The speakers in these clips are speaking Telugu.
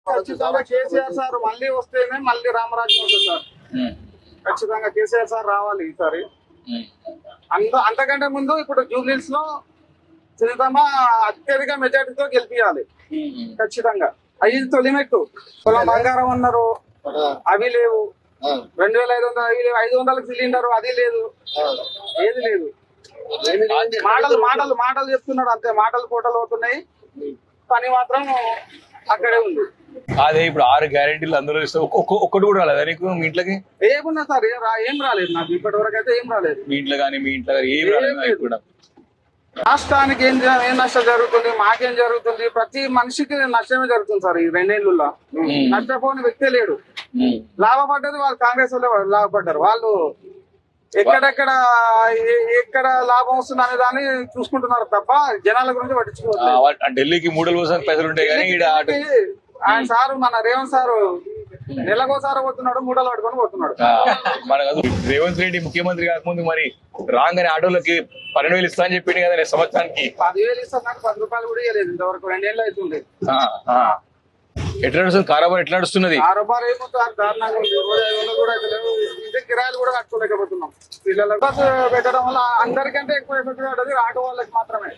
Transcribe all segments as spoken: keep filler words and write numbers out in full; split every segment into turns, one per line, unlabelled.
ఖచ్చితంగా కేసీఆర్ సార్ మళ్ళీ వస్తేనే మళ్ళీ రామరాజ్యం వస్తుంది సార్. ఖచ్చితంగా కేసీఆర్ సార్ రావాలి ఈసారి. అంత అంతకంటే ముందు ఇప్పుడు జూబ్లీస్ లో సునీతమ్మ అత్యధిక మెజార్టీతో గెలిపియాలి ఖచ్చితంగా. అవి తొలిమెట్టు. పొలం బంగారం అన్నారు, అవి లేవు. రెండు వేల ఐదు వందలు అవి లేవు. ఐదు వందలకు సిలిండర్ అది లేదు, ఏది లేదు. మాటలు మాటలు మాటలు చెప్తున్నాడు అంతే. మాటలు కోటలు అవుతున్నాయి, పని మాత్రం అక్కడే ఉంది.
అదే ఇప్పుడు ఆరు గ్యారెంటీలు అందరూ ఇస్తే ఒక్కటి కూడా రాలేదా నీకు మీ ఇంట్లోకి?
ఏమున్నా సార్ ఏం రాలేదు నాకు ఇప్పటి వరకు అయితే ఏం రాలేదు.
మీ ఇంట్లో కానీ మీ ఇంట్లో కానీ ఏం రాలేదు కూడా.
రాష్ట్రానికి ఏం ఏం నష్టం జరుగుతుంది, మాకేం జరుగుతుంది, ప్రతి మనిషికి నష్టమే జరుగుతుంది సార్. ఈ రెండేళ్లలో నష్టపోని వ్యక్తే లేడు. లాభపడ్డది వాళ్ళు కాంగ్రెస్ వాళ్ళు లాభపడ్డారు. వాళ్ళు ఎక్కడెక్కడ ఎక్కడ లాభం వస్తుంది అనే దాన్ని చూసుకుంటున్నారు తప్ప జనాల గురించి పట్టించుకోవాలి.
ఢిల్లీకి మూడు కోసం పైసలు ఉంటాయి కానీ
ఆయన సారు మన రేవంత్ సారు నెలకోసారి పోతున్నాడు, మూడలు పట్టుకొని పోతున్నాడు.
మన రేవంత్ రెడ్డి ముఖ్యమంత్రి కాకముందు మరి రాగానే ఆటోలకి పన్నెండు వేలు ఇస్తా అని చెప్పింది కదా సంవత్సరానికి.
పదివేలు ఇస్తా నాకు పది రూపాయలు కూడా ఇవ్వలేదు ఇంతవరకు. రెండేళ్ళు అవుతుంది.
ఎట్లా నడుస్తుంది కారోబార్? ఎట్లా నడుస్తున్నది
కారోబార్? ఏమో దారుణంగా ఉంది. రోజు ఐదు వందలు కూడా అయితే లేవు. ఇంటి కిరాయిలు కూడా కట్టుకోలేకపోతున్నాం. పిల్లలకు బస్సు పెట్టడం వల్ల అందరికంటే ఎక్కువ ఎఫెక్ట్ పడ్డది ఆటో వాళ్ళకి మాత్రమే.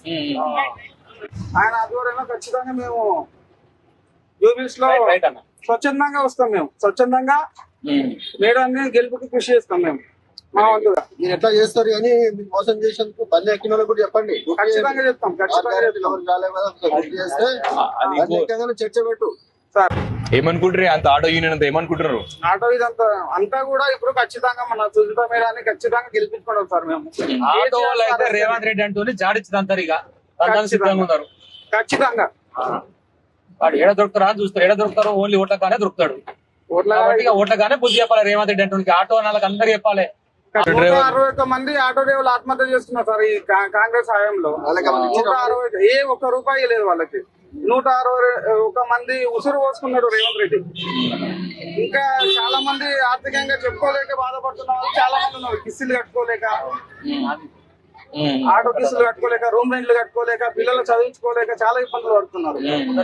ఆయన ఆధ్వర్యంలో ఖచ్చితంగా మేము జూబిల్స్ లో స్వచ్ఛందంగా వస్తాం. మేము స్వచ్ఛందంగా మేడాన్ని గెలుపుకి కృషి చేస్తాం. మేము మా వంతుగా.
మీరు ఎట్లా చేస్తారు అని మీకు మోసం చేసేందుకు బండి ఎక్కిన వాళ్ళకి కూడా చెప్పండి.
ఖచ్చితంగా చెప్తాం. ఖచ్చితంగా
చర్చ పెట్టు
సార్.
ఏమనుకుంటారు అంత ఆటో యూనియన్ అంతా ఏమనుకుంటున్నారు?
ఆటో ఇదంతా అంతా కూడా ఇప్పుడు ఖచ్చితంగా మన సుజిత మేడాన్ని ఖచ్చితంగా గెలిపించుకోవడం సార్. మేము
ఆటో వాళ్ళు అయితే రేవంత్ రెడ్డి అంటూ జాడించదంటారు. ఇక సిద్ధంగా ఉన్నారు
ఖచ్చితంగా.
వాడు ఏడ దొరుకుతారా అని చూస్తారు. ఏడ దొరుకుతారు? ఓన్లీ ఓట్లగానే దొరుకుతాడు. ఓట్లగానే బుద్ధి చెప్పాలి రేవంత్ రెడ్డి అంటూ. ఆటో వాళ్ళకి అందరు చెప్పాలి.
అరవై ఒక్క మంది ఆటో డ్రైవర్లు ఆత్మహత్య చేస్తున్నారు సార్ ఈ కాంగ్రెస్ హయాంలో. నూట అరవై ఏ ఒక్క రూపాయి లేదు వాళ్ళకి. నూట అరవై ఒక మంది ఉసురు పోసుకున్నాడు రేవంత్ రెడ్డి. ఇంకా చాలా మంది ఆర్థికంగా చెప్పుకోలేక బాధపడుతున్న వాళ్ళు చాలా మంది ఉన్నారు. కిస్తులు కట్టుకోలేక, ఆటో కిస్తులు కట్టుకోలేక, రూమ్ రెంట్లు కట్టుకోలేక, పిల్లలు చదివించుకోలేక చాలా ఇబ్బందులు పడుతున్నారు.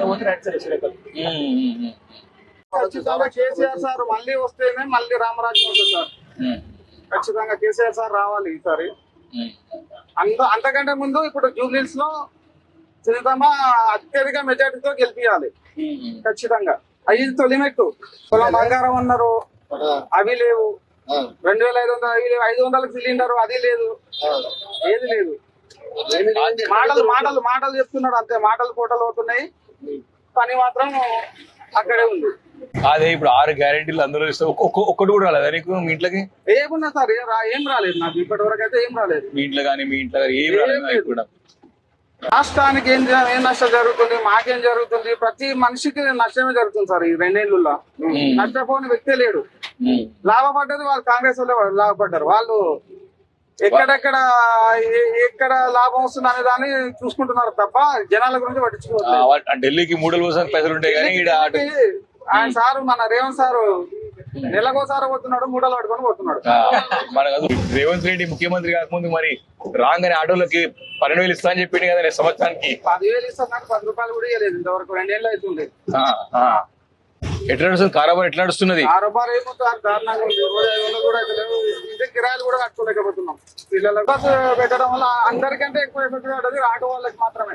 ఖచ్చితంగా కేసీఆర్ సార్ మళ్ళీ వస్తేనే మళ్ళీ రామరాజ్యం వస్తుంది సార్. ఖచ్చితంగా కేసీఆర్ సార్ రావాలి ఈసారి. అంత అంతకంటే ముందు ఇప్పుడు జూబ్లీస్ లో సునీతమ్మ అత్యధిక మెజార్టీతో గెలిపియాలి ఖచ్చితంగా. అవి తొలిమెట్టు. పొలం బంగారం అన్నారు, అవి లేవు. రెండు వేల ఐదు వందలు అవి లేవు. ఐదు వందలకు సిలిండర్ అది లేదు, ఏది లేదు. మాటలు మాటలు మాటలు చెప్తున్నాడు అంతే. మాటలు కోటలు అవుతున్నాయి, పని మాత్రం అక్కడే ఉంది.
అదే ఇప్పుడు ఆరు గ్యారెంటీలు అందరూ ఇస్తే ఒక్కటి కూడా రాలేదా నీకు మీ ఇంట్లోకి?
ఏమున్నా సార్ ఏం రాలేదు నాకు ఇప్పటి వరకు అయితే ఏం రాలేదు.
మీ ఇంట్లో కానీ మీ ఇంట్లో కానీ ఏం రాలేదు కూడా.
రాష్ట్రానికి ఏం ఏం నష్టం జరుగుతుంది, మాకేం జరుగుతుంది, ప్రతి మనిషికి నష్టమే జరుగుతుంది సార్. ఈ రెండేళ్లలో నష్టపోని వ్యక్తే లేడు. లాభపడ్డది వాళ్ళు కాంగ్రెస్ వాళ్ళు లాభపడ్డారు. వాళ్ళు ఎక్కడెక్కడ ఎక్కడ లాభం వస్తుంది అనే దాన్ని చూసుకుంటున్నారు తప్ప జనాల గురించి పట్టించుకోవాలి.
ఢిల్లీకి మూడు కోసం పైసలు ఉంటాయి కానీ
ఆయన సారు మన రేవంత్ సారు నెలకోసారి పోతున్నాడు, మూడలు పట్టుకొని పోతున్నాడు.
మన రేవంత్ రెడ్డి ముఖ్యమంత్రి కాకముందు మరి రాగానే ఆటోలకి పన్నెండు వేలు ఇస్తా అని చెప్పింది కదా సంవత్సరానికి.
పదివేలు ఇస్తా నాకు పది రూపాయలు కూడా ఇవ్వలేదు ఇంతవరకు. రెండేళ్ళు అవుతుంది.
ఎట్లా నడుస్తుంది కారోబార్? ఎట్లా నడుస్తున్నది
కారోబార్? ఏమో దారుణంగా ఉంది. రోజు ఐదు వందలు కూడా అయితే లేవు. ఇంటి కిరాయిలు కూడా కట్టుకోలేకపోతున్నాం. పిల్లలకు బస్సు పెట్టడం వల్ల అందరికంటే ఎక్కువ ఎఫెక్ట్ పడ్డది ఆటో వాళ్ళకి మాత్రమే.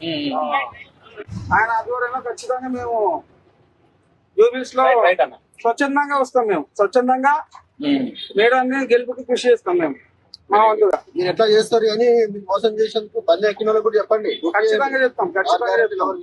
ఆయన ఆధ్వర్యంలో ఖచ్చితంగా మేము జూబిల్స్ లో స్వచ్ఛందంగా వస్తాం. మేము స్వచ్ఛందంగా మేడాన్ని గెలుపుకి కృషి చేస్తాం. మేము మా వంతుగా.
మీరు ఎట్లా చేస్తారు అని మీకు మోసం చేసేందుకు బండి ఎక్కిన వాళ్ళకి కూడా చెప్పండి.
ఖచ్చితంగా చెప్తాం. ఖచ్చితంగా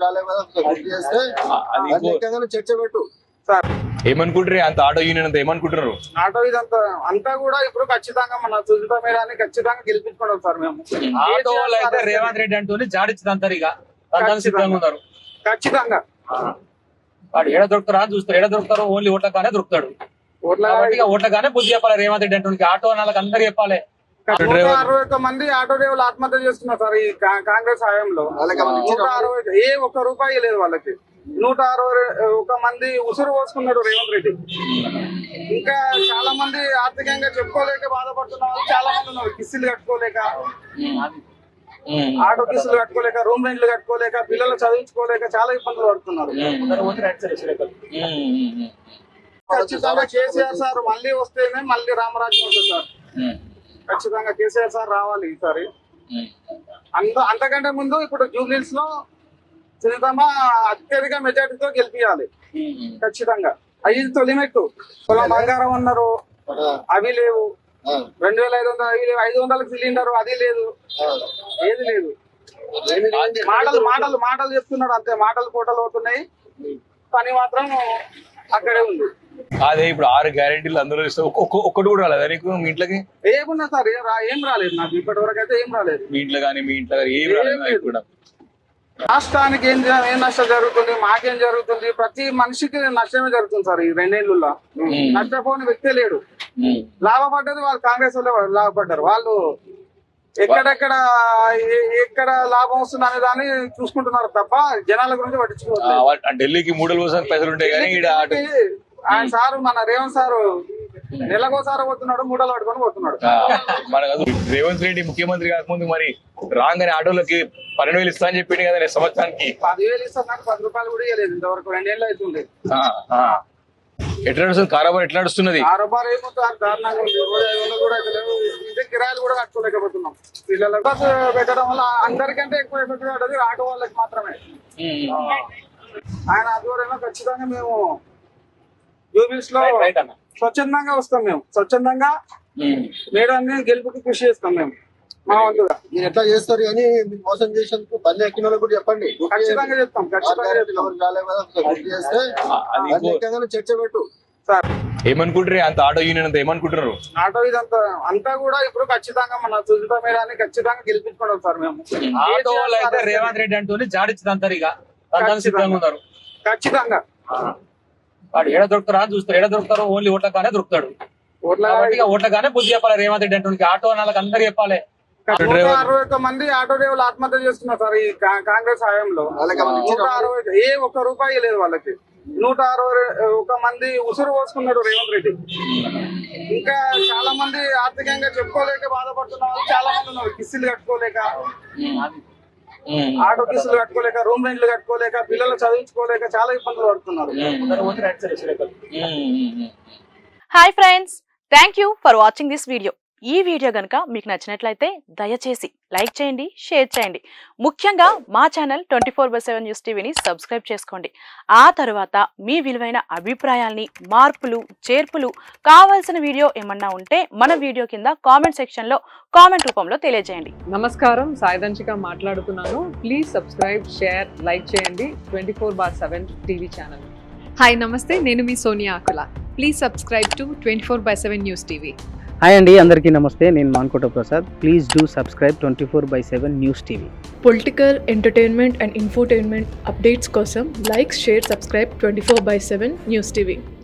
చర్చ పెట్టు
సార్.
ఏమనుకుంటారు అంత ఆటో యూనియన్ అంతా ఏమనుకుంటున్నారు?
ఆటో ఇదంతా అంతా కూడా ఇప్పుడు ఖచ్చితంగా మన సుజిత మేడాన్ని ఖచ్చితంగా గెలిపించుకోవడం సార్. మేము
ఆటో వాళ్ళు అయితే రేవంత్ రెడ్డి అంటూ జాడించదంటారు. ఇక సిద్ధంగా ఉన్నారు ఖచ్చితంగా. వాడు ఏడ దొరుకుతారా అని చూస్తారు. ఏడ దొరుకుతారు? ఓన్లీ ఓట్లగానే దొరుకుతాడు. ఓట్లగానే బుద్ధి చెప్పాలి రేవంత్ రెడ్డి అంటూ. ఆటో వాళ్ళకి అందరు చెప్పాలి.
అరవై ఒక్క మంది ఆటో డ్రైవర్లు ఆత్మహత్య చేస్తున్నారు సార్ ఈ కాంగ్రెస్ హయాంలో. నూట అరవై ఏ ఒక్క రూపాయి లేదు వాళ్ళకి. నూట అరవై ఒక మంది ఉసురు పోసుకున్నాడు రేవంత్ రెడ్డి. ఇంకా చాలా మంది ఆర్థికంగా చెప్పుకోలేక బాధపడుతున్న వాళ్ళు చాలా మంది ఉన్నారు. కిస్తులు కట్టుకోలేక,
ఉమ్.
ఆటో ఫీజులు కట్టుకోలేక రూమ్ రెంట్లు కట్టుకోలేక పిల్లలు చదివించుకోలేక చాలా ఇబ్బందులు పడుతున్నారు.
అందరూ పోతే రైట్ సైడ్ వచ్చారు ఇక్కడ.
ఉమ్, ఉమ్, ఉమ్.
ఖచ్చితంగా కేసీఆర్ సార్ మళ్ళీ వస్తేనే మళ్ళీ రామరాజ్యం వస్తుంది సార్.
ఉమ్,
ఖచ్చితంగా కేసీఆర్ సార్ రావాలి ఈసారి.
ఉమ్.
అంత అంతకంటే ముందు ఇప్పుడు జూబ్లీస్ లో సునీతమ్మ అత్యధిక మెజార్టీతో గెలిపియాలి
ఉమ్.
ఖచ్చితంగా. అవి తొలిమెట్టు. పొలం బంగారం అన్నారు, అవి లేవు. రెండు వేల ఐదు వందలు అవి లేవు. ఐదు వందలకు సిలిండర్ అది లేదు, ఏది లేదు. మాటలు మాటలు మాటలు చెప్తున్నాడు అంతే. మాటలు పూటలు అవుతున్నాయి, పని మాత్రం అక్కడే ఉంది.
అదే ఇప్పుడు ఆరు గ్యారెంటీలు అందరూ ఇస్తే ఒక్క- ఒక్క- ఒక్కటి కూడా రాలేదా నీకు మీ ఇంట్లోకి?
ఏమున్నా సార్ ఏం రా ఏం రాలేదు నాకు ఇప్పటి వరకు అయితే ఏం రాలేదు.
మీ ఇంట్లో కానీ మీ ఇంట్లో కానీ ఏం రాలేదు నాకు కూడా.
రాష్ట్రానికి ఏం జ- ఏం నష్టం జరుగుతుంది, మాకేం జరుగుతుంది, ప్రతి మనిషికి నష్టమే జరుగుతుంది సార్. ఈ రెండేళ్లలో నష్టపోని వ్యక్తే లేడు.
ఉమ్.
లాభపడ్డది వాళ్ళు కాంగ్రెస్ వాళ్ళే వాళ్ళు లాభపడ్డారు. వాళ్ళు ఎక్కడెక్కడ ఏ- ఎక్కడ లాభం వస్తుంది అనే దాన్ని చూసుకుంటున్నారు తప్ప జనాల గురించి
ఆ,
పట్టించుకోవట్లేదు.
వా- ఆ ఢిల్లీకి మూడల కోసం పైసలు ఉంటాయి కానీ ఈడ ఆట-
ఆయన సారు మన రేవంత్ సారు నెలకోసారి పోతున్నాడు, మూడలు పట్టుకొని పోతున్నాడు.
ఆ, మనకు అది రేవంత్ రెడ్డి ముఖ్యమంత్రి కాకముందు మరి రాగానే ఆటోలకి పన్నెండు వేలు ఇస్తా అని చెప్పింది కదా నేను సంవత్సరానికి.
పదివేలు ఇస్తారు నాకు పది రూపాయలు కూడా ఇవ్వలేదు ఇంతవరకు. రెండేళ్ళు అవుతుంది.
ఆ, ఆ. ఎట్లా నడుస్తుంది కారోబార్, ఎట్లా నడుస్తున్నది?
కారోబార్ ఏమో సార్ దారుణంగా ఉంది. రోజు ఐదు వందలు కూడా అయితే లేవు. ఇంటి కిరాయిలు కూడా కట్టుకోలేకపోతున్నాం. పిల్లలకు బస్సు పెట్టడం వల్ల అందరికంటే ఎక్కువ ఎఫెక్ట్ పడ్డది ఆటో వాళ్ళకి మాత్రమే.
ఉమ్.
ఆయన ఆధ్వర్యంలో ఖచ్చితంగా మేము జూబిల్స్ లో
రైట్ రైట్ అన్న.
స్వచ్ఛందంగా వస్తాం. మేము స్వచ్ఛందంగా
ఉమ్.
మేడాన్ని గెలుపుకి కృషి చేస్తాం మేము మా వంతుగా.
మీరు ఎట్లా చేస్తారు కానీ మీరు మోసం చేసేందుకు బండి ఎక్కిన వాళ్ళకి కూడా చెప్పండి. గుర్తు
ఖచ్చితంగా
చేయండి.
చెప్తాం,
ఆ
ఖచ్చితంగా
గ్యారెంటీలు
చెప్తాం
ఎవరు రాలేదు కదా, ఒకసారి గుర్తు చేస్తే
అది
బండి
ఇంకో-
ఎక్కగానే చర్చ పెట్టు.
సార్.
ఏమనుకుంటారు అంత ఆటో యూనియన్ అంతా ఏమనుకుంటున్నారు?
ఆటో ఇదంతా అంతా కూడా ఇప్పుడు ఖచ్చితంగా మన సుజిత మేడాన్ని ఖచ్చితంగా గెలిపించుకోవడం సార్ మేము.
ఆటో వాళ్ళు అయితే రేవంత్ రెడ్డి అంటూనే జాడించదంటారు ఇక. దానికి సిద్ధంగా ఉన్నారు.
ఖచ్చితంగా
వాడు ఏడ దొరుకుతారా అని చూస్తారు. ఏడ దొరుకుతారో ఓన్లీ ఓట్లగానే దొరుకుతాడు.
ఓట్ల
కాబట్టి ఇక ఓట్లగానే బుద్ధి చెప్పాలి రేవంత్ రెడ్డి అంటూ. ఆటో వాళ్ళకి అందరు చెప్పాలి.
నూట అరవై ఒక్క మంది ఆటో డ్రైవర్లు ఆత్మహత్య చేస్తున్నారు సార్ ఈ కా- కాంగ్రెస్ హయాంలో.
వాళ్ళకి ఏమైనా
నూట
ఇచ్చినా?
అరవై ఏ ఒక్క రూపాయి లేదు వాళ్ళకి. నూట అరవై ఒక మంది ఉసురు పోసుకున్నాడు రేవంత్ రెడ్డి. ఇంకా చాలా మంది ఆర్థికంగా చెప్పుకోలేక బాధపడుతున్న వాళ్ళు చాలా మంది ఉన్నారు. కిస్తులు కట్టుకోలేక,
ఉమ్.
ఆటో కిస్తులు కట్టుకోలేక, రూమ్ రెంట్లు కట్టుకోలేక, పిల్లలు చదివించుకోలేక చాలా ఇబ్బందులు పడుతున్నారు.
అందరూ పోతే రైట్ సైడ్ వచ్చారు ఇక్కడ.
Um.
Hi friends, thank you for watching this video. ఈ వీడియో గనుక మీకు నచ్చినట్లయితే దయచేసి లైక్ చేయండి, షేర్ చేయండి. ముఖ్యంగా మా channel twenty four by seven news టీవీని సబ్స్క్రైబ్ చేసుకోండి. ఆ తర్వాత మీ విలువైన అభిప్రాయాల్ని, మార్పులు, చేర్పులు, కావాల్సిన వీడియో ఏమన్నా ఉంటే మన వీడియో కింద కామెంట్ సెక్షన్లో కామెంట్ రూపంలో తెలియజేయండి.
నమస్కారం, సాయిదంచిక మాట్లాడుతున్నాను. ప్లీజ్ సబ్స్క్రైబ్, షేర్, లైక్ చేయండి twenty four bar seven TV channel.
Hi నమస్తే, నేను మీ Sonia Akula. Please subscribe to twenty four by seven news TV.
Hi అండి, అందరికీ నమస్తే. నేను Mankota Prasad. Please do subscribe twenty four by seven news TV.
Political, entertainment and infotainment updates కోసం like, share, subscribe twenty four by seven news TV.